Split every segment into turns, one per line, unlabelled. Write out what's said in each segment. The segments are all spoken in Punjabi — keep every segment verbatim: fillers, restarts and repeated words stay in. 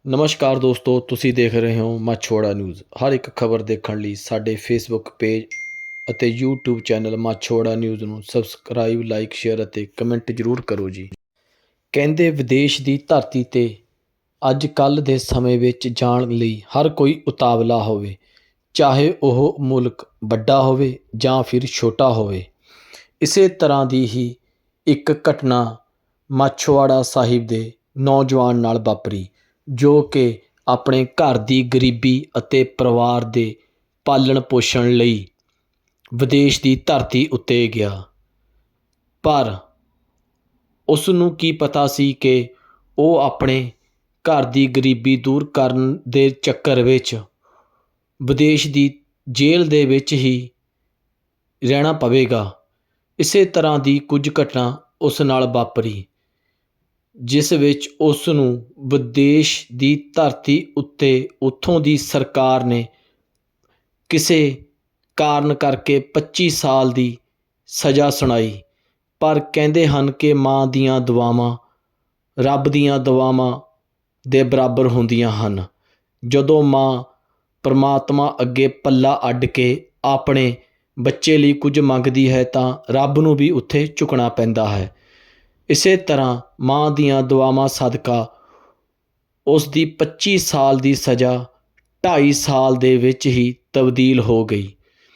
ਨਮਸਕਾਰ ਦੋਸਤੋ, ਤੁਸੀਂ ਦੇਖ ਰਹੇ ਹੋ ਮਾਛੋੜਾ ਨਿਊਜ਼। ਹਰ ਇੱਕ ਖਬਰ ਦੇਖਣ ਲਈ ਸਾਡੇ ਫੇਸਬੁੱਕ ਪੇਜ ਅਤੇ ਯੂਟਿਊਬ ਚੈਨਲ ਮਾਛੋੜਾ ਨਿਊਜ਼ ਨੂੰ ਸਬਸਕ੍ਰਾਈਬ, ਲਾਈਕ, ਸ਼ੇਅਰ ਅਤੇ ਕਮੈਂਟ ਜ਼ਰੂਰ ਕਰੋ ਜੀ। ਕਹਿੰਦੇ ਵਿਦੇਸ਼ ਦੀ ਧਰਤੀ 'ਤੇ ਅੱਜ ਕੱਲ੍ਹ ਦੇ ਸਮੇਂ ਵਿੱਚ ਜਾਣ ਲਈ ਹਰ ਕੋਈ ਉਤਾਵਲਾ ਹੋਵੇ, ਚਾਹੇ ਉਹ ਮੁਲਕ ਵੱਡਾ ਹੋਵੇ ਜਾਂ ਫਿਰ ਛੋਟਾ ਹੋਵੇ। ਇਸੇ ਤਰ੍ਹਾਂ ਦੀ ਹੀ ਇੱਕ ਘਟਨਾ ਮਾਛੋਵਾੜਾ ਸਾਹਿਬ ਦੇ ਨੌਜਵਾਨ ਨਾਲ ਵਾਪਰੀ, ਜੋ ਕਿ ਆਪਣੇ ਘਰ ਦੀ ਗਰੀਬੀ ਅਤੇ ਪਰਿਵਾਰ ਦੇ ਪਾਲਣ ਪੋਸ਼ਣ ਲਈ ਵਿਦੇਸ਼ ਦੀ ਧਰਤੀ ਉੱਤੇ ਗਿਆ। ਪਰ ਉਸ ਨੂੰ ਕੀ ਪਤਾ ਸੀ ਕਿ ਉਹ ਆਪਣੇ ਘਰ ਦੀ ਗਰੀਬੀ ਦੂਰ ਕਰਨ ਦੇ ਚੱਕਰ ਵਿੱਚ ਵਿਦੇਸ਼ ਦੀ ਜੇਲ੍ਹ ਦੇ ਵਿੱਚ ਹੀ ਰਹਿਣਾ ਪਵੇਗਾ। ਇਸੇ ਤਰ੍ਹਾਂ ਦੀ ਕੁਝ ਘਟਨਾ ਉਸ ਨਾਲ ਵਾਪਰੀ, ਜਿਸ ਵਿੱਚ ਉਸ ਨੂੰ ਵਿਦੇਸ਼ ਦੀ ਧਰਤੀ ਉੱਤੇ ਉੱਥੋਂ ਦੀ ਸਰਕਾਰ ਨੇ ਕਿਸੇ ਕਾਰਨ ਕਰਕੇ ਪੱਚੀ ਸਾਲ ਦੀ ਸਜ਼ਾ ਸੁਣਾਈ। ਪਰ ਕਹਿੰਦੇ ਹਨ ਕਿ ਮਾਂ ਦੀਆਂ ਦੁਆਵਾਂ ਰੱਬ ਦੀਆਂ ਦੁਆਵਾਂ ਦੇ ਬਰਾਬਰ ਹੁੰਦੀਆਂ ਹਨ। ਜਦੋਂ ਮਾਂ ਪਰਮਾਤਮਾ ਅੱਗੇ ਪੱਲਾ ਅੱਡ ਕੇ ਆਪਣੇ ਬੱਚੇ ਲਈ ਕੁਝ ਮੰਗਦੀ ਹੈ ਤਾਂ ਰੱਬ ਨੂੰ ਵੀ ਉੱਥੇ ਝੁਕਣਾ ਪੈਂਦਾ ਹੈ। ਇਸੇ ਤਰ੍ਹਾਂ ਮਾਂ ਦੀਆਂ ਦੁਆਵਾਂ ਸਦਕਾ ਉਸ ਦੀ ਪੱਚੀ ਸਾਲ ਦੀ ਸਜ਼ਾ ਢਾਈ ਸਾਲ ਦੇ ਵਿੱਚ ਹੀ ਤਬਦੀਲ ਹੋ ਗਈ।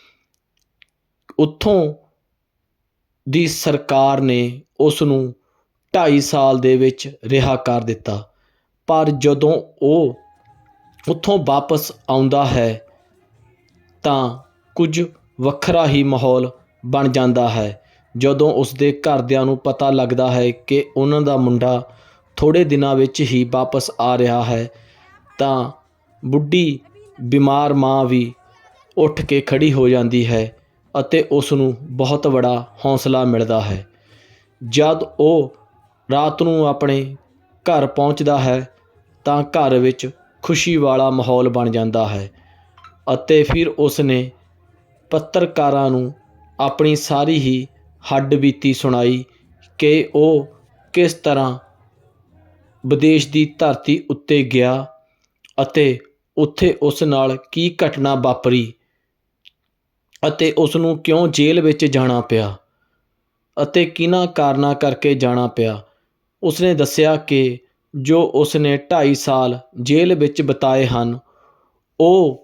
ਉੱਥੋਂ ਦੀ ਸਰਕਾਰ ਨੇ ਉਸ ਨੂੰ ਢਾਈ ਸਾਲ ਦੇ ਵਿੱਚ ਰਿਹਾ ਕਰ ਦਿੱਤਾ। ਪਰ ਜਦੋਂ ਉਹ ਉੱਥੋਂ ਵਾਪਸ ਆਉਂਦਾ ਹੈ ਤਾਂ ਕੁਝ ਵੱਖਰਾ ਹੀ ਮਾਹੌਲ ਬਣ ਜਾਂਦਾ ਹੈ। ਜਦੋਂ ਉਸ ਦੇ ਘਰਦਿਆਂ ਨੂੰ ਪਤਾ ਲੱਗਦਾ ਹੈ ਕਿ ਉਹਨਾਂ ਦਾ ਮੁੰਡਾ ਥੋੜ੍ਹੇ ਦਿਨਾਂ ਵਿੱਚ ਹੀ ਵਾਪਸ ਆ ਰਿਹਾ ਹੈ, ਤਾਂ ਬੁੱਢੀ ਬਿਮਾਰ ਮਾਂ ਵੀ ਉੱਠ ਕੇ ਖੜ੍ਹੀ ਹੋ ਜਾਂਦੀ ਹੈ ਅਤੇ ਉਸ ਨੂੰ ਬਹੁਤ ਬੜਾ ਹੌਸਲਾ ਮਿਲਦਾ ਹੈ। ਜਦ ਉਹ ਰਾਤ ਨੂੰ ਆਪਣੇ ਘਰ ਪਹੁੰਚਦਾ ਹੈ ਤਾਂ ਘਰ ਵਿੱਚ ਖੁਸ਼ੀ ਵਾਲਾ ਮਾਹੌਲ ਬਣ ਜਾਂਦਾ ਹੈ ਅਤੇ ਫਿਰ ਉਸ ਨੇ ਪੱਤਰਕਾਰਾਂ ਨੂੰ ਆਪਣੀ ਸਾਰੀ ਹੀ ਹੱਡਬੀਤੀ ਸੁਣਾਈ ਕਿ ਉਹ ਕਿਸ ਤਰ੍ਹਾਂ ਵਿਦੇਸ਼ ਦੀ ਧਰਤੀ ਉੱਤੇ ਗਿਆ ਅਤੇ ਉੱਥੇ ਉਸ ਨਾਲ ਕੀ ਘਟਨਾ ਵਾਪਰੀ ਅਤੇ ਉਸ ਨੂੰ ਕਿਉਂ ਜੇਲ੍ਹ ਵਿੱਚ ਜਾਣਾ ਪਿਆ ਅਤੇ ਕਿਹਨਾਂ ਕਾਰਨਾਂ ਕਰਕੇ ਜਾਣਾ ਪਿਆ। ਉਸ ਨੇ ਦੱਸਿਆ ਕਿ ਜੋ ਉਸ ਨੇ ਢਾਈ ਸਾਲ ਜੇਲ੍ਹ ਵਿੱਚ ਬਿਤਾਏ ਹਨ, ਉਹ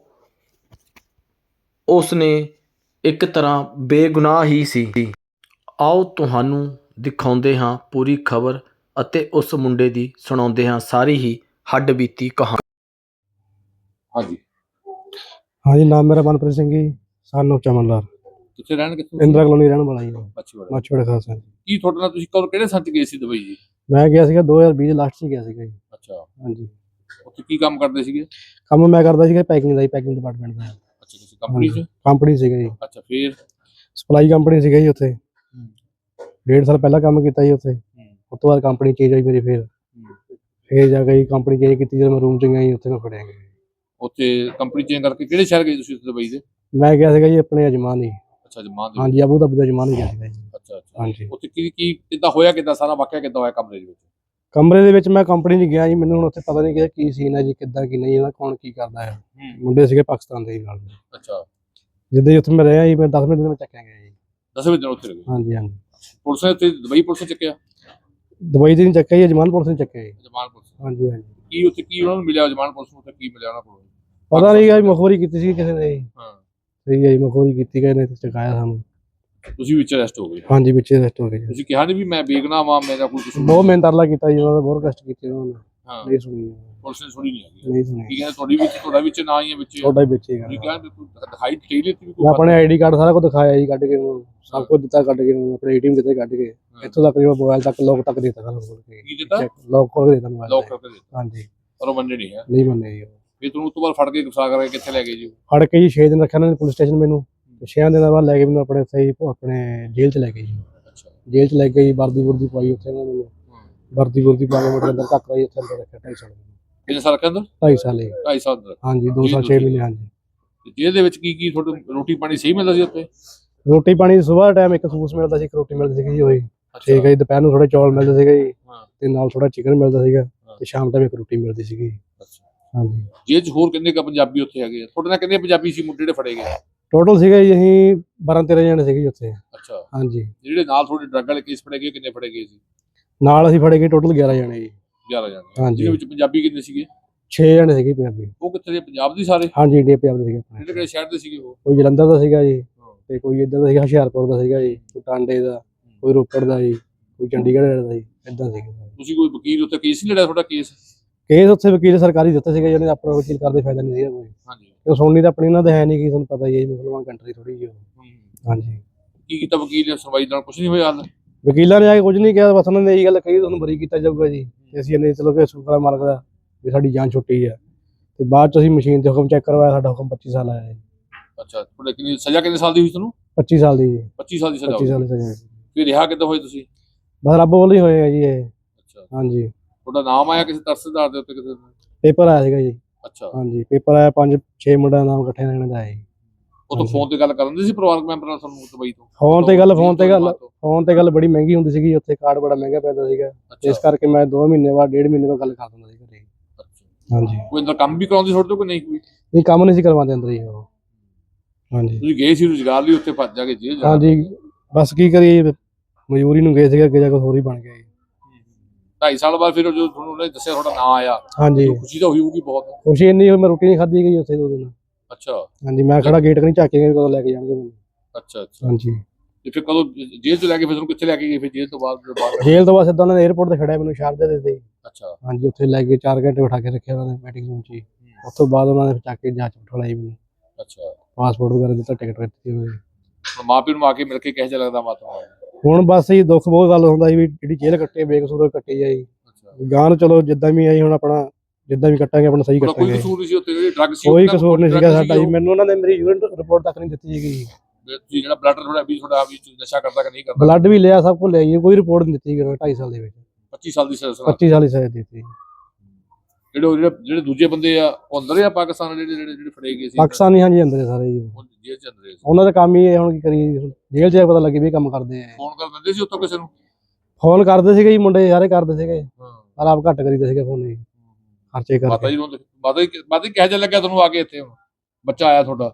ਉਸ ਨੇ ਇੱਕ ਤਰ੍ਹਾਂ ਬੇਗੁਨਾਹ ਹੀ ਸੀ। ਆਓ ਤੁਹਾਨੂੰ ਦਿਖਾਉਂਦੇ ਹਾਂ ਪੂਰੀ ਖਬਰ ਅਤੇ ਉਸ ਮੁੰਡੇ ਦੀ ਸੁਣਾਉਂਦੇ ਹਾਂ ਸਾਰੀ ਹੀ ਹੱਡਬੀਤੀ ਕਹਾਣੀ।
ਹਾਂਜੀ
ਹਾਂਜੀ, ਨਾਮ ਮੇਰਾ ਮਨਪ੍ਰੀਤ ਸਿੰਘ ਜੀ, ਸਾਨੂੰ ਚਮਨ ਲਾਲ।
ਕਿੱਥੇ ਰਹਿਣ ਕਿੱਥੋਂ
ਇੰਦਰਾ ਕਲੋਨੀ ਰਹਿਣ ਵਾਲਾ ਜੀ,
ਮਾਛੀਵਾੜਾ।
ਮਾਛੋੜਾ ਖਾਸ।
ਕੀ ਤੁਹਾਡੇ ਨਾਲ ਤੁਸੀਂ ਕਦੋਂ ਕਿਹੜੇ ਸੱਚ ਗਏ ਸੀ ਦੁਬਈ ਜੀ?
ਮੈਂ ਗਿਆ ਸੀਗਾ ਦੋ ਹਜ਼ਾਰ ਵੀਹ ਦੇ ਲਾਸਟ 'ਚ ਗਿਆ ਸੀਗਾ ਜੀ।
ਅੱਛਾ,
ਹਾਂਜੀ।
ਉੱਥੇ ਕੀ ਕੰਮ ਕਰਦੇ ਸੀਗੇ?
ਕੰਮ ਮੈਂ ਕਰਦਾ ਸੀਗਾ ਪੈਕਿੰਗ ਦਾ ਜੀ, ਪੈਕਿੰਗ ਡਿਪਾਰਟਮੈਂਟ ਦਾ।
ਅੱਛਾ, ਕਿਸੇ ਕੰਪਨੀ 'ਚ?
ਕੰਪਨੀ ਸੀਗਾ ਜੀ।
ਅੱਛਾ, ਫਿਰ
ਸਪਲਾਈ ਕੰਪਨੀ ਸੀਗਾ ਜੀ ਉੱਥੇ। ਡੇਢ ਸਾਲ ਪਹਿਲਾਂ ਕੰਮ ਕੀਤਾ ਜੀ ਉੱਥੇ। ਉਸ ਤੋਂ ਬਾਅਦ ਕੰਪਨੀ ਚੇਂਜ ਹੋਈ ਮੇਰੀ, ਫਿਰ ਫਿਰ ਜਾ ਕੇ ਕੰਪਨੀ ਚੇਂਜ ਕੀਤੀ। ਜਦੋਂ ਮੈਂ ਰੂਮ 'ਚ ਗਿਆ ਜੀ, ਉੱਥੇ ਮੈਂ ਫੜਿਆ ਗਿਆ।
ਉੱਥੇ ਕੰਪਨੀ ਚੇਂਜ ਕਰਕੇ ਕਿਹੜੇ ਸ਼ਹਿਰ ਗਏ ਤੁਸੀਂ ਦੁਬਈ ਦੇ?
ਮੈਂ ਗਿਆ ਸੀਗਾ ਜੀ ਆਪਣੇ ਅਜਮਾਨ ਹੀ।
ਅੱਛਾ, ਜਮਾਨ ਦੇ।
ਹਾਂਜੀ, ਅਬੂ ਧਾਬੀ ਦਾ ਅਜਮਾਨ ਹੀ ਗਿਆ ਸੀਗਾ ਜੀ।
ਅੱਛਾ ਅੱਛਾ।
ਹਾਂਜੀ।
ਉੱਥੇ ਕੀ ਕੀ ਕਿੱਦਾਂ ਹੋਇਆ, ਕਿੱਦਾਂ ਸਾਰਾ ਵਾਕਿਆ ਕਿੱਦਾਂ ਹੋਇਆ ਕਮਰੇ ਦੇ ਵਿੱਚ?
ਕਮਰੇ ਦੇ ਵਿੱਚ ਮੈਂ ਕੰਪਨੀ 'ਚ ਗਿਆ ਜੀ, ਮੈਨੂੰ ਹੁਣ ਉੱਥੇ ਪਤਾ ਨਹੀਂ ਕਿ ਕੀ ਸੀਨ ਹੈ ਜੀ, ਕਿੱਦਾਂ ਕੀ ਨਹੀਂ, ਇਹਦਾ ਕੌਣ ਕੀ ਕਰਦਾ ਹੈ। ਮੁੰਡੇ ਸੀਗੇ ਪਾਕਿਸਤਾਨ ਦੇ ਨਾਲ।
ਅੱਛਾ।
ਜਿੱਦਾਂ ਹੀ ਉੱਥੇ ਮੈਂ ਰਿਹਾ ਜੀ, ਮੈਂ ਦਸਵੇਂ ਦਿਨ ਮੈਂ ਚੱਕਿਆ ਗਿਆ ਜੀ।
ਦਸਵੇਂ ਦਿਨ ਉੱਥੇ ਰਹੇ?
ਹਾਂਜੀ ਹਾਂਜੀ।
ਪੁਲਿਸ ਨੇ ਉੱਥੇ ਦੁਬਈ ਪੁਲਿਸ ਨੇ ਚੱਕਿਆ?
ਦੁਬਈ ਦੇ ਨਹੀਂ ਚੱਕਿਆ ਜੀ, ਅਜਮਾਨ ਪੁਲਿਸ ਨੇ ਚੱਕਿਆ ਜੀ।
ਜਮਾਨ ਪੁਲਿਸ?
ਹਾਂਜੀ ਹਾਂਜੀ।
ਕੀ ਉੱਥੇ ਕੀ ਉਹਨਾਂ ਨੂੰ ਮਿਲਿਆ ਜਮਾਨ ਪੁਲਿਸ ਨੂੰ? ਉੱਥੇ ਕੀ ਮਿਲਿਆ ਉਹਨਾਂ ਕੋਲ?
ਪਤਾ ਨਹੀਂ ਗਾ, ਮਖੌਰੀ ਕੀਤੀ ਸੀ ਕਿਸੇ ਨੇ ਜੀ।
ਹਾਂ,
ਸਹੀ ਹੈ ਜੀ, ਮਖੌਰੀ ਕੀਤੀ ਗਏ ਨੇ, ਚਕਾਇਆ ਸਾਨੂੰ।
ਤੁਸੀਂ ਵਿੱਚ ਅਰੈਸਟ ਹੋ ਗਏ?
ਹਾਂਜੀ, ਵਿੱਚ ਅਰੈਸਟ ਹੋ ਗਏ ਜੀ।
ਤੁਸੀਂ ਕਿਹਾ ਨਹੀਂ ਵੀ ਮੈਂ ਬੇਗੁਨਾਹ ਵਾਂ, ਮੇਰਾ ਕੋਈ ਕਸੂਰ?
ਬਹੁਤ ਮਿਹਨਤ ਤਰਲਾ ਕੀਤਾ ਜੀ ਉਹਨਾਂ ਦਾ, ਬਹੁਤ ਕਸ਼ਟ ਕੀਤੇ ਉਹਨਾਂ ਨੇ।
ਹਾਂ,
ਨਹੀਂ ਸੁਣੀ
ਪੁਲਿਸ ਨੇ ਸੁਣੀ ਨਹੀਂ ਹੈਗੀ।
ਨਹੀਂ ਸੁਣੀ।
ਕੀ ਕਹਿੰਦੇ ਤੁਹਾਡੀ ਵਿੱਚ ਤੁਹਾਡਾ ਵਿੱਚ ਨਾ ਹੀ ਹੈ ਵਿੱਚ?
ਤੁਹਾਡਾ ਹੀ ਵਿੱਚ ਹੀ
ਤੁਸੀਂ
ਗਾ।
ਕਹਿੰਦੇ ਦਿਖਾਈ ਦੇ ਦਿੱਤੀ ਵੀ
ਮੈਂ ਆਪਣੇ ਆਈਡੀ ਕਾਰਡ ਸਾਰਾ ਕੁਝ ਦਿਖਾਇਆ ਜੀ, ਕੱਢ ਕੇ ਉਹਨੂੰ ਸਭ ਕੁਝ ਦਿੱਤਾ, ਕੱਢ ਕੇ ਉਹਨੂੰ ਆਪਣੇ ਏਟੀਐਮ ਦਿੱਤੇ, ਕੱਢ ਕੇ ਇੱਥੋਂ ਤੱਕ ਜਿਹੜਾ ਮੋਬਾਈਲ ਤੱਕ ਲੋਕ ਤੱਕ ਦਿੱਤਾ ਸਾਨੂੰ ਖੋਲ ਕੇ।
ਕੀ ਦਿੱਤਾ?
ਲੋਕ ਖੋਲ ਕੇ ਦਿੱਤਾ ਮੋਬਾਈਲ।
ਲੋਕ ਕਰਕੇ ਦਿੱਤਾ?
ਹਾਂਜੀ।
ਪਰ ਉਹ ਮੰਨੇ ਨਹੀਂ ਹੈ?
ਨਹੀਂ ਮੰਨੇ ਜੀ।
ਫਿਰ ਤੁਹਾਨੂੰ ਉਸ ਤੋਂ ਬਾਅਦ ਫੜ ਕੇ ਗੁਸਾ ਕਰਕੇ ਕਿੱਥੇ ਲੈ ਗਏ ਜੀ?
ਫੜ ਕੇ ਜੀ ਛੇ ਦਿਨ ਰੱਖਿਆ ਉਹਨਾਂ ਨੇ ਪੁਲਿਸ ਸਟੇਸ਼ਨ ਮੈਨੂੰ, ਤੇ ਛੇ ਦਿਨਾਂ ਬਾਅਦ ਲੈ ਕੇ ਮੈਨੂੰ ਆਪਣੇ ਸਹੀ ਆਪਣੇ ਜੇਲ੍ਹ 'ਚ ਲੈ ਗਏ ਜੀ।
ਅੱਛਾ।
ਜੇਲ੍ਹ 'ਚ ਲੈ ਕੇ ਜੀ ਵਰਦੀ ਵੁਰਦੀ ਪਾਈ ਉੱਥੇ ਉਹਨਾਂ ਨੇ ਮੈਨੂੰ। ਵਰਦੀ ਵੁਰਦੀ ਪਾ ਕੇ ਮੇਰੇ ਅੰਦਰ ਧੱਕ ਰਹੀ, ਉੱਥੇ ਅੰਦਰ ਰੱਖਿਆ ਢਾਈ ਸਾਲ।
ਕਿੰਨੇ ਸਾਲ ਰੱਖਿਆ ਅੰਦਰ?
ਢਾਈ ਸਾਲ ਜੀ।
ਢਾਈ ਸਾਲ ਅੰਦਰ?
ਹਾਂਜੀ, ਦੋ ਸਾਲ ਛੇ ਮਹੀਨੇ। ਹਾਂਜੀ।
ਜੇਲ੍ਹ ਦੇ ਵਿੱਚ ਕੀ ਕੀ ਤੁਹਾਨੂੰ ਰੋਟੀ ਪਾਣੀ ਸਹੀ ਮਿਲਦਾ ਸੀ ਉੱਥੇ?
ਰੋਟੀ ਪਾਣੀ ਸੁਬਾਹ ਟਾਈਮ ਇੱਕ ਸੂਸ ਮਿਲਦਾ ਸੀ, ਇੱਕ ਰੋਟੀ ਮਿਲਦੀ ਸੀਗੀ ਜੀ ਉਹੀ। ਠੀਕ ਹੈ ਜੀ। ਦੁਪਹਿਰ ਨੂੰ ਥੋੜੇ ਚੌਲ ਮਿਲਦੇ ਸੀਗੇ ਜੀ, ਤੇ ਨਾਲ ਥੋੜਾ ਚਿਕਨ ਮਿਲਦਾ ਸੀਗਾ। ਤੇ ਸ਼ਾਮ ਟਾਈਮ ਇੱਕ ਰੋਟੀ ਮਿਲਦੀ ਸੀਗੀ।
ਅੱਛਾ,
ਹਾਂਜੀ,
ਜੇਲ੍ਹ 'ਚ ਹੋਰ ਕਿੰਨੇ ਕੁ ਪੰਜਾਬੀ ਉੱਥੇ ਹੈਗੇ ਆ? ਤੁਹਾਡੇ ਨਾਲ ਕਿੰਨੇ ਪੰਜਾਬੀ ਸੀ ਮੁੰਡੇ ਜਿਹੜੇ ਫੜੇ ਗਏ?
ਟੋਟਲ ਸੀਗਾ ਜੀ ਅਸੀਂ ਬਾਰਾਂ ਤੇਰਾਂ ਜਣੇ ਸੀਗੇ ਜੀ ਉੱਥੇ।
ਅੱਛਾ,
ਹਾਂਜੀ,
ਜਿਹੜੇ ਨਾਲ ਤੁਹਾਡੇ ਡਰੱਗ ਵਾਲੇ ਕੇਸ ਫੜੇ ਗਏ ਕਿੰਨੇ ਫੜੇ ਗਏ ਸੀ?
ਨਾਲ ਅਸੀਂ ਫੜੇ ਗਏ ਟੋਟਲ ਗਿਆਰਾਂ ਜਣੇ ਜੀ।
ਗਿਆਰਾਂ ਜਣੇ,
ਹਾਂਜੀ,
ਜਿਹਦੇ ਵਿੱਚ ਪੰਜਾਬੀ ਕਿੰਨੇ ਸੀਗੇ?
ਛੇ ਜਣੇ ਸੀਗੇ ਪੰਜਾਬੀ।
ਉਹ ਕਿੱਥੇ ਦੇ, ਪੰਜਾਬ ਦੇ ਸਾਰੇ?
ਹਾਂਜੀ, ਇੰਡੀਆ ਪੰਜਾਬ ਦੇ ਸੀਗੇ ਆਪਣੇ।
ਕਿਹੜੇ ਕਿਹੜੇ ਸ਼ਹਿਰ ਦੇ ਸੀਗੇ ਉਹ?
ਕੋਈ ਜਲੰਧਰ ਦਾ ਸੀਗਾ ਜੀ,
ਹਾਂ।
ਤੇ ਕੋਈ ਇੱਧਰ ਦਾ ਸੀਗਾ ਹੁਸ਼ਿਆਰਪੁਰ ਦਾ ਸੀਗਾ ਜੀ, ਕੋਈ ਟਾਂਡੇ ਦਾ, ਕੋਈ ਰੋਪੜ ਦਾ ਜੀ, ਕੋਈ ਚੰਡੀਗੜ੍ਹ ਦਾ ਜੀ, ਏਦਾਂ ਸੀਗੇ।
ਤੁਸੀਂ ਕੋਈ ਵਕੀਲ ਉੱਥੇ ਕੇਸ ਨਹੀਂ ਲੜਿਆ ਤੁਹਾਡਾ ਕੇਸ?
ਕੇਸ ਉੱਥੇ ਵਕੀਲ ਸਰਕਾਰੀ ਦਿੱਤੇ ਸੀਗੇ, ਜਿਹਨੇ ਆਪਣਾ ਵਕੀਲ ਕਰਦੇ ਫਾਇਦਾ ਨਹੀਂ ਸੀਗਾ ਕੋਈ।
ਹਾਂਜੀ,
ਤੇ ਸੁਣਨੀ ਤਾਂ ਆਪਣੀ ਇਹਨਾਂ ਦੇ ਹੈ ਨਹੀਂ ਗੀ, ਤੁਹਾਨੂੰ ਪਤਾ ਹੀ ਹੈ ਜੀ, ਮੁਸਲਮਾਨ ਕੰਟਰੀ ਥੋੜੀ ਜਿਹੀ ਉਹ।
ਹੂੰ।
ਹਾਂਜੀ,
ਕੀ ਕੀਤਾ ਵਕੀਲ ਨੇ? ਸੁਣਵਾਈ ਨਾਲ ਕੁਝ ਨਹੀਂ ਹੋਇਆ ਹਾਲ?
ਵਕੀਲਾਂ ਨੇ ਆ ਕੇ ਕੁਝ ਨਹੀਂ ਕਿਹਾ, ਬਸ ਉਹਨਾਂ ਨੇ ਇਹੀ ਗੱਲ ਕਹੀ ਤੁਹਾਨੂੰ ਬਰੀ ਕੀਤਾ ਜਾਊਗਾ ਜੀ। ਤੇ ਅਸੀਂ ਇਹਨੇ ਚਲੋ ਕਿ ਸ਼ੁਕਰ ਮਾਲਕ ਦਾ ਵੀ ਸਾਡੀ ਜਾਨ ਛੁੱਟੀ ਆ। ਤੇ ਬਾਅਦ ਚ ਅਸੀਂ ਮਸ਼ੀਨ ਤੇ ਹੁਕਮ ਚੈੱਕ ਕਰਵਾਇਆ, ਸਾਡਾ ਹੁਕਮ ਪੱਚੀ ਸਾਲ ਆਇਆ ਜੀ।
ਅੱਛਾ, ਤੁਹਾਡੇ ਕਿੰਨੀ ਸਜ਼ਾ ਕਿੰਨੇ ਸਾਲ ਦੀ ਹੋਈ ਤੁਹਾਨੂੰ?
ਪੱਚੀ ਸਾਲ ਦੀ ਜੀ।
ਪੱਚੀ ਸਾਲ ਦੀ ਸਜ਼ਾ
ਪੱਚੀ ਸਾਲ
ਹੋਈ।
ਦੀ ਸਜ਼ਾ ਜੀ।
ਫਿਰ ਰਿਹਾ ਕਿੱਦਾਂ ਹੋਏ ਤੁਸੀਂ?
ਬਸ ਰੱਬ ਵੱਲੋਂ ਹੀ ਹੋਏ ਆ ਜੀ ਇਹ।
ਅੱਛਾ,
ਹਾਂਜੀ,
ਤੁਹਾਡਾ ਨਾਮ ਆਇਆ ਕਿਸੇ ਤਰਸਦਾਰ ਦੇ ਉੱਤੇ ਕਿਸੇ ਦਾ?
ਪੇਪਰ ਆਇਆ ਸੀਗਾ ਜੀ।
ਅੱਛਾ,
ਹਾਂਜੀ, ਪੇਪਰ ਆਇਆ, ਪੰਜ ਛੇ ਮੁੰਡਿਆਂ ਦਾ ਨਾਮ ਇਕੱਠੇ ਰਹਿਣ ਦਾ ਆਇਆ ਜੀ।
ਉਹ ਤੋਂ ਫੋਨ ਤੇ ਗੱਲ ਕਰਨ ਦੇ ਸੀ ਪਰਿਵਾਰਕ ਮੈਂਬਰ ਨਾਲ ਤੁਹਾਨੂੰ ਦੁਬਈ ਤੋਂ?
ਫੋਨ ਤੇ ਗੱਲ ਫੋਨ ਤੇ ਗੱਲ
ਜੇਲ੍ਹ ਤੋਂ?
ਫੋਨ ਤੇ ਗੱਲ ਬੜੀ ਮਹਿੰਗੀ ਹੁੰਦੀ ਸੀਗੀ ਉੱਥੇ, ਕਾਰਡ ਬੜਾ ਮਹਿੰਗਾ ਪੈਂਦਾ ਸੀਗਾ। ਇਸ
ਅੱਛਾ,
ਕਰਕੇ ਮੈਂ ਦੋ ਮਹੀਨੇ ਬਾਅਦ ਡੇਢ ਮਹੀਨੇ ਬਾਅਦ ਗੱਲ ਕਰ ਦਿੰਦਾ ਸੀ ਘਰੇ।
ਅੱਛਾ।
ਹਾਂਜੀ,
ਕੋਈ ਅੰਦਰ ਕੰਮ ਵੀ ਕਰਾਉਂਦੇ ਤੁਹਾਡੇ ਤੋਂ ਕਿ ਨਹੀਂ ਕੋਈ?
ਨਹੀਂ ਕੰਮ ਨਹੀਂ ਸੀ ਕਰਵਾਉਂਦੇ ਅੰਦਰ ਹੀ ਉਹ। ਹਾਂਜੀ,
ਤੁਸੀਂ ਗਏ ਸੀ ਰੁਜ਼ਗਾਰ ਲਈ ਉੱਥੇ, ਭੱਜ ਜਾ ਕੇ ਜੇਲ੍ਹ ਜਾਣਾ?
ਹਾਂਜੀ, ਬਸ ਕੀ ਕਰੀਏ, ਮਜ਼ਦੂਰੀ ਨੂੰ ਗਏ ਸੀਗੇ, ਅੱਗੇ ਜਾ ਕੇ ਹੋਰ ਹੀ ਬਣ ਗਿਆ ਜੀ।
ਢਾਈ ਸਾਲ ਬਾਅਦ ਫਿਰ ਜੋ ਤੁਹਾਨੂੰ ਉਹਨੇ ਦੱਸਿਆ ਤੁਹਾਡਾ ਨਾਂ ਆਇਆ,
ਹਾਂਜੀ,
ਤਾਂ ਖੁਸ਼ੀ ਤਾਂ ਹੋਈ ਹੋਊਗੀ ਬਹੁਤ?
ਖੁਸ਼ੀ ਇੰਨੀ ਹੋਈ, ਮੈਂ ਰੋਟੀ ਨਹੀਂ ਖਾਧੀ ਗਈ ਉੱਥੇ ਦੋ ਦਿਨ।
ਅੱਛਾ,
ਹਾਂਜੀ, ਮੈਂ ਖੜਾ ਗੇਟ ਕਨੀ ਝਾਕੇ ਗਏ ਕਦੋਂ ਲੈ ਕੇ ਜਾਣਗੇ ਮੈਨੂੰ।
ਅੱਛਾ, ਅੱਛਾ।
ਹਾਂਜੀ,
ਤੇ ਫਿਰ ਕਦੋਂ ਜੇਲ੍ਹ ਤੋਂ ਲੈ ਕੇ ਫਿਰ ਤੁਹਾਨੂੰ ਕਿੱਥੇ ਲੈ ਕੇ ਗਏ ਫਿਰ ਜੇਲ੍ਹ ਤੋਂ ਬਾਅਦ ਜਦੋਂ ਬਾਹਰ?
ਜੇਲ੍ਹ ਤੋਂ ਬਾਅਦ ਸਿੱਧਾ ਉਹਨਾਂ ਨੇ 에어ਪੋਰਟ ਤੇ ਖੜਿਆ ਮੈਨੂੰ, ਸ਼ਾਰਜਾ ਦੇ ਦਿੱਤੇ।
ਅੱਛਾ,
ਹਾਂਜੀ, ਉੱਥੇ ਲੈ ਕੇ ਚਾਰ ਘੰਟੇ ਬਿਠਾ ਕੇ ਰੱਖਿਆ ਉਹਨਾਂ ਨੇ ਮੀਟਿੰਗ ਰੂਮ 'ਚ ਹੀ। ਉਸ ਤੋਂ ਬਾਅਦ ਉਹਨਾਂ ਨੇ ਚੱਕ ਕੇ ਜਾਂਚ ਬਿਠਾਈ ਮੈਨੂੰ,
ਅੱਛਾ।
ਪਾਸਪੋਰਟ ਵਗੈਰਾ ਦਿੱਤਾ, ਟਿਕਟ ਦਿੱਤੀ ਉਹਨਾਂ ਨੇ।
ਹੁਣ ਮਾਂ ਪਿਓ ਨੂੰ ਆ ਕੇ ਮਿਲ ਕੇ ਕਿਹੋ ਜਿਹਾ ਲੱਗਦਾ ਮਾਤਾ?
ਹੁਣ ਬਸ ਜੀ ਦੁੱਖ ਬਹੁਤ ਗੱਲ ਹੁੰਦਾ ਸੀ ਵੀ ਜਿਹੜੀ ਜੇਲ੍ਹ ਕੱਟੀ ਬੇਕਸੂਰ ਕੱਟੀ ਆ ਜੀ।
ਅੱਛਾ,
ਗਾਂ ਨੂੰ ਚਲੋ ਜਿੱਦਾਂ ਵੀ ਆਈ ਹੁਣ ਆਪਣਾ ਜਿੱਦਾਂ ਵੀ ਕੱਟਾਂਗੇ ਆਪਣਾ ਸਹੀ
ਕੋਈ
ਕੱਟਾਂਗੇ।
ਕਸੂਰ ਨਹੀਂ ਸੀ ਉੱਥੇ? ਜਿਹੜੀ ਡਰੱਗ ਸੀ
ਕੋਈ ਕਸੂਰ ਨਹੀਂ ਸੀਗਾ ਸਾਡਾ ਜੀ। ਮੈਨੂੰ ਉਹਨਾਂ ਨੇ ਮੇਰੀ ਯੂਰਿਨ ਰਿਪੋਰਟ ਤੱਕ ਨਹੀਂ ਦਿੱਤੀ ਸੀਗੀ।
ਤੁਸੀਂ ਜਿਹੜਾ ਬਲੱਡ ਤੁਹਾਡਾ ਵੀ ਤੁਹਾਡਾ ਵੀ ਨਸ਼ਾ ਕਰਦਾ ਕਿ ਨਹੀਂ ਕਰਦਾ?
ਬਲੱਡ ਵੀ ਲਿਆ, ਸਭ ਕੁਝ ਲਿਆ ਜੀ, ਕੋਈ ਰਿਪੋਰਟ ਨਹੀਂ ਦਿੱਤੀ ਗਈ ਢਾਈ ਸਾਲ ਦੇ ਵਿੱਚ।
ਪੱਚੀ ਸਾਲ ਦੀ ਸਜ਼ਾ?
ਪੱਚੀ ਸਾਲ ਦੀ ਸਜ਼ਾ ਦਿੱਤੀ।
ਜਿਹੜੇ ਉਹ ਜਿਹੜੇ ਜਿਹੜੇ ਦੂਜੇ ਬੰਦੇ ਆ ਉਹ ਅੰਦਰ ਆ ਪਾਕਿਸਤਾਨ, ਜਿਹੜੇ ਜਿਹੜੇ ਜਿਹੜੇ ਫੜੇ ਗਏ ਸੀ
ਪਾਕਿਸਤਾਨੀ ਹਾਂਜੀ ਅੰਦਰ ਸਾਰੇ ਜੀ।
ਉਹ ਜੇਲ੍ਹ ਚ ਅੰਦਰ ਸੀ?
ਉਹਨਾਂ ਦਾ ਕੰਮ ਹੀ ਇਹ, ਹੁਣ ਕੀ ਕਰੀਏ, ਜੇਲ੍ਹ 'ਚ ਪਤਾ ਲੱਗੇ ਵੀ ਇਹ ਕੰਮ ਕਰਦੇ ਆ।
ਫੋਨ ਕਰ ਦਿੰਦੇ ਸੀ ਉੱਥੋਂ ਕਿਸੇ ਨੂੰ?
ਫੋਨ ਕਰਦੇ ਸੀਗੇ ਜੀ, ਮੁੰਡੇ ਸਾਰੇ ਕਰਦੇ ਸੀਗੇ,
ਹਾਂ।
ਪਰ ਆਪ ਘੱਟ ਕਰੀਦਾ ਸੀਗਾ ਫੋਨ ਜੀ, ਖਰਚੇ
ਮਾਤਾ
ਕਰਕੇ।
ਜੀ ਨੂੰ ਮਾਤਾ ਜੀ ਮਾਤਾ ਜੀ ਕਿਹੋ ਜਿਹਾ ਲੱਗਿਆ ਤੁਹਾਨੂੰ ਆ ਕੇ ਇੱਥੇ? ਹੁਣ ਬੱਚਾ ਆਇਆ ਤੁਹਾਡਾ?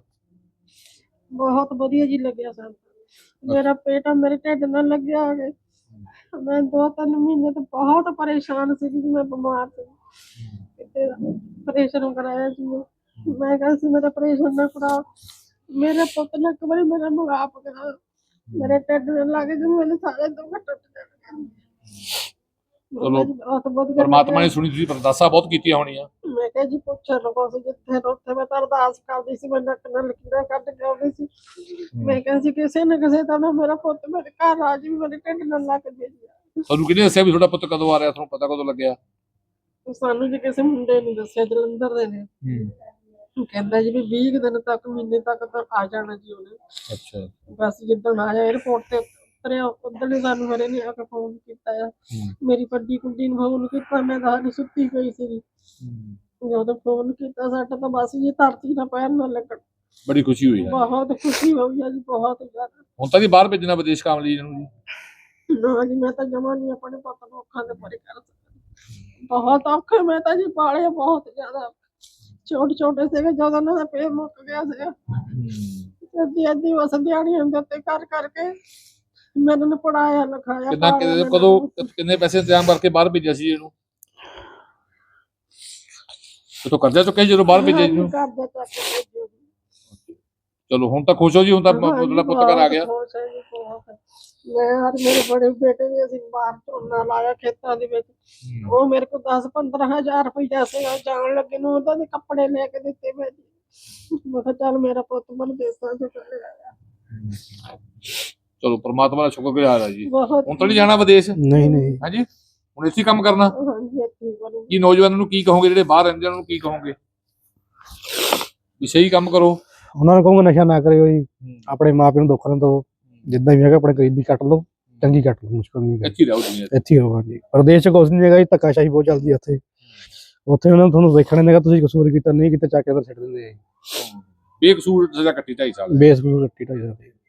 ਬਹੁਤ ਵਧੀਆ ਜੀ ਲੱਗਿਆ ਸਾਨੂੰ। ਮੇਰਾ ਪੇਟ ਮੇਰੇ ਢਿੱਡ ਨਾਲ ਲੱਗਿਆ ਹੋਵੇ। ਮੈਂ ਦੋ ਤਿੰਨ ਮਹੀਨੇ ਤੋਂ ਬਹੁਤ ਪਰੇਸ਼ਾਨ ਸੀ ਜੀ, ਮੈਂ ਬਿਮਾਰ ਸੀ, ਕਿਤੇ ਆਪਰੇਸ਼ਨ ਕਰਾਇਆ ਜੀ ਮੈਂ। ਮੈਂ ਕਿਹਾ ਸੀ ਮੇਰਾ ਆਪਰੇਸ਼ਨ ਨਾ ਕਰਾਓ, ਮੇਰੇ ਪੁੱਤ ਨੇ ਇੱਕ ਵਾਰੀ ਮੇਰਾ ਮੁਗਾਪ ਕਰਾ, ਮੇਰੇ ਢਿੱਡ ਨਾਲ ਲੱਗ ਕੇ ਮੇਰੇ ਸਾਰੇ ਦੁੱਖ ਟੁੱਟ ਜਾਣਗੇ।
ਚਲੋ,
ਬਹੁਤ ਵਧੀਆ
ਪਰਮਾਤਮਾ ਨੇ
ਲੱਗਿਆ।
ਸੁਣੀ, ਤੁਸੀਂ ਅਰਦਾਸਾਂ ਬਹੁਤ ਕੀਤੀਆਂ ਹੋਣੀਆਂ।
ਮੈਂ ਕਿਹਾ ਜੀ ਪੁੱਛੋ ਲਗੋ ਸੀ ਜਿੱਥੇ ਉੱਥੇ ਮੈਂ ਤਾਂ ਅਰਦਾਸ ਕਰਦੀ ਸੀ, ਮੈਂ ਨੱਕ ਨਾਲ ਲਕੀਰਾਂ ਕੱਢ ਕੇ ਆਉਂਦੀ ਸੀ। ਮੈਂ ਕਿਹਾ ਸੀ ਕਿਸੇ ਨਾ ਕਿਸੇ ਤਰ੍ਹਾਂ ਮੇਰਾ ਪੁੱਤ ਮੇਰੇ ਘਰ ਆ ਜੀ, ਮੇਰੇ ਢਿੱਡ ਨਾਲ ਲੱਗ ਜੇ ਜੀ।
ਤੁਹਾਨੂੰ ਕਿਹਨੇ ਦੱਸਿਆ ਵੀ ਤੁਹਾਡਾ ਪੁੱਤ ਕਦੋਂ ਆ ਰਿਹਾ? ਤੁਹਾਨੂੰ ਪਤਾ ਕਦੋਂ ਲੱਗਿਆ?
ਸਾਨੂੰ ਜੀ ਕਿਸੇ ਮੁੰਡੇ ਨੇ ਦੱਸਿਆ, ਜਲੰਧਰ ਦੇ ਨੇ। ਉਹ ਕਹਿੰਦਾ ਜੀ ਵੀ ਵੀਹ ਦਿਨ ਤੱਕ, ਮਹੀਨੇ ਤੱਕ ਤਾਂ ਆ ਜਾਣਾ ਜੀ ਉਹਨੇ।
ਅੱਛਾ,
ਬਸ ਜਿੱਦਣ ਆਇਆ 에어ਪੋਰਟ ਤੇ ਉਤਰਿਆ ਉਦੋਂ ਹੀ ਸਾਨੂੰ ਹਰੇ ਨੇ ਆ ਕੇ ਫੋਨ ਕੀਤਾ ਆ। ਮੇਰੀ ਵੱਡੀ ਕੁੜੀ ਨੂੰ ਫੋਨ ਕੀਤਾ, ਮੈਂ ਤਾਂ ਹਾਲੇ ਸੁੱਤੀ ਪਈ ਸੀ। ਜਦੋਂ ਫੋਨ ਕੀਤਾ ਸਾਡਾ ਤਾਂ ਬਸ ਜੀ ਧਰਤੀ ਨਾਲ ਪੈਰ ਨਾ ਲੱਗਣ।
ਬੜੀ ਖੁਸ਼ੀ ਹੋਈ ਹੈ?
ਬਹੁਤ ਖੁਸ਼ੀ ਹੋਈ ਆ ਜੀ, ਬਹੁਤ ਜ਼ਿਆਦਾ।
ਹੁਣ ਤਾਂ ਜੀ ਬਾਹਰ ਭੇਜਣਾ ਵਿਦੇਸ਼ ਕੰਮ ਲਈ ਇਹਨੂੰ ਜੀ?
ਨਾ ਜੀ, ਮੈਂ ਤਾਂ ਜਮਾ ਨਹੀਂ ਆਪਣੇ ਪੁੱਤ ਨੂੰ ਅੱਖਾਂ ਦੇ ਪਰੇ ਕਰ ਸਕਦੀ। ਬਹੁਤ ਔਖੇ ਮੈਂ ਤਾਂ ਜੀ ਪਾਲੇ, ਬਹੁਤ ਜ਼ਿਆਦਾ ਛੋਟੇ ਛੋਟੇ ਸੀਗੇ ਜਦੋਂ ਉਹਨਾਂ ਦਾ ਪੇਟ ਮੁੱਕ ਗਿਆ ਸੀਗਾ। ਅੱਧੀ ਅੱਧੀ ਉਸ ਦਿਹਾੜੀਆਂ ਦੇ ਉੱਤੇ ਕਰ ਕਰਕੇ ਮੈਨੂੰ ਨੇ ਪੜਾਇਆ ਲਿਖਾਇਆ।
ਕਿੰਨਾ
ਪਾਲਿਆ
ਕਦੋਂ
ਮੈਨੂੰ।
ਕਿੰਨੇ ਪੈਸੇ ਇੰਤਜ਼ਾਮ ਕਰਕੇ ਬਾਹਰ ਭੇਜਿਆ ਸੀ ਇਹਨੂੰ? ਤੋ ਕਰਜ਼ਾ ਚੁੱਕਿਆ ਜਦੋਂ ਬਾਹਰ ਭੇਜਿਆ ਇਹਨੂੰ?
ਕਰਜ਼ਾ ਚੱਕ ਕੇ ਭੇਜਿਆ ਜੀ।
ਚਲੋ ਹੁਣ ਤਾਂ ਖੁਸ਼ ਹੋ ਜੀ? ਹੁਣ ਤਾਂ
ਹਾਂਜੀ,
ਤੁਹਾਡਾ ਪੁੱਤ ਘਰ ਆ ਗਿਆ?
ਬਹੁਤ ਖੁਸ਼ ਹਾਂ ਜੀ, ਬਹੁਤ। ਮੈਂ ਔਰ ਮੇਰੇ ਬੜੇ ਬੇਟੇ ਵੀ ਅਸੀਂ ਬਾਹਰ ਝੋਨਾ ਲਾਇਆ ਖੇਤਾਂ ਦੇ ਵਿੱਚ। ਉਹ ਮੇਰੇ ਕੋਲ ਦਸ ਪੰਦਰਾਂ ਹਜ਼ਾਰ ਰੁਪਈਆ ਸੀਗਾ, ਜਾਣ ਲੱਗੇ ਨੂੰ ਉਹਦਾ ਦੇ ਕੱਪੜੇ ਲੈ ਕੇ ਦਿੱਤੇ ਮੈਂ ਜੀ। ਮੈਂ ਕਿਹਾ ਚੱਲ ਮੇਰਾ ਪੁੱਤ ਮੈਨੂੰ ਦੇਸਾਂ ਚੋਂ ਚਲੇ ਆਇਆ।
ਚਲੋ ਪਰਮਾਤਮਾ ਦਾ ਸ਼ੁਕਰਗੁਜ਼ਾਰ ਆ ਜੀ।
ਬਹੁਤ
ਹੁਣ ਤਾਂ ਨਹੀਂ ਜਾਣਾ ਵਿਦੇਸ਼?
ਨਹੀਂ ਨਹੀਂ
ਹਾਂਜੀ, ਹੁਣ ਇੱਥੇ ਹੀ ਕੰਮ ਕਰਨਾ?
ਹਾਂਜੀ, ਇੱਥੇ ਹੀ ਕਰੂੰਗੀ।
ਕੀ ਨੌਜਵਾਨਾਂ ਨੂੰ ਕੀ ਕਹੋਗੇ ਜਿਹੜੇ ਬਾਹਰ ਰਹਿੰਦੇ ਉਹਨਾਂ ਨੂੰ ਕੀ ਕਹੋਗੇ? ਵੀ ਸਹੀ ਕੰਮ ਕਰੋ।
ਉਹਨਾਂ ਨੂੰ ਕਹੂੰਗਾ ਨਸ਼ਾ ਨਾ ਕਰਿਓ ਜੀ, ਆਪਣੇ ਮਾਂ ਪਿਓ ਨੂੰ ਦੁੱਖ ਨਾ ਦਿਓ, ਜਿੱਦਾਂ ਵੀ ਹੈਗਾ ਆਪਣੇ ਗਰੀਬੀ ਕੱਟ ਲਓ, ਚੰਗੀ ਕੱਟ ਲਓ, ਮੁਸ਼ਕਲ ਨਹੀਂ ਹੈ।
ਇੱਥੇ ਹੀ ਰਹੋ ਦੁਨੀਆ 'ਚ।
ਇੱਥੇ ਹੀ ਹੋਵਾਂ ਜੀ। ਪ੍ਰਦੇਸ਼ 'ਚ ਕੁਛ ਨਹੀਂ ਹੈਗਾ ਜੀ, ਧੱਕਾਸ਼ਾਹੀ ਬਹੁਤ ਚੱਲਦੀ ਹੈ ਉੱਥੇ। ਉੱਥੇ ਉਹਨਾਂ ਨੂੰ ਤੁਹਾਨੂੰ ਵੇਖਣ ਦੇਗਾ ਤੁਸੀਂ ਕਸੂਰ ਕੀਤਾ ਨਹੀਂ ਕੀਤਾ, ਚੱਕ ਕੇ ਅੰਦਰ ਛੱਡ ਦਿੰਦੇ ਆ ਜੀ।
ਬੇਕਸੂਰ ਸਜ਼ਾ ਕੱਟੀ ਢਾਈ ਸਾਲ।
ਬੇਸ ਨੂੰ ਕੱਟੀ ਢਾਈ ਜਾਂਦੇ।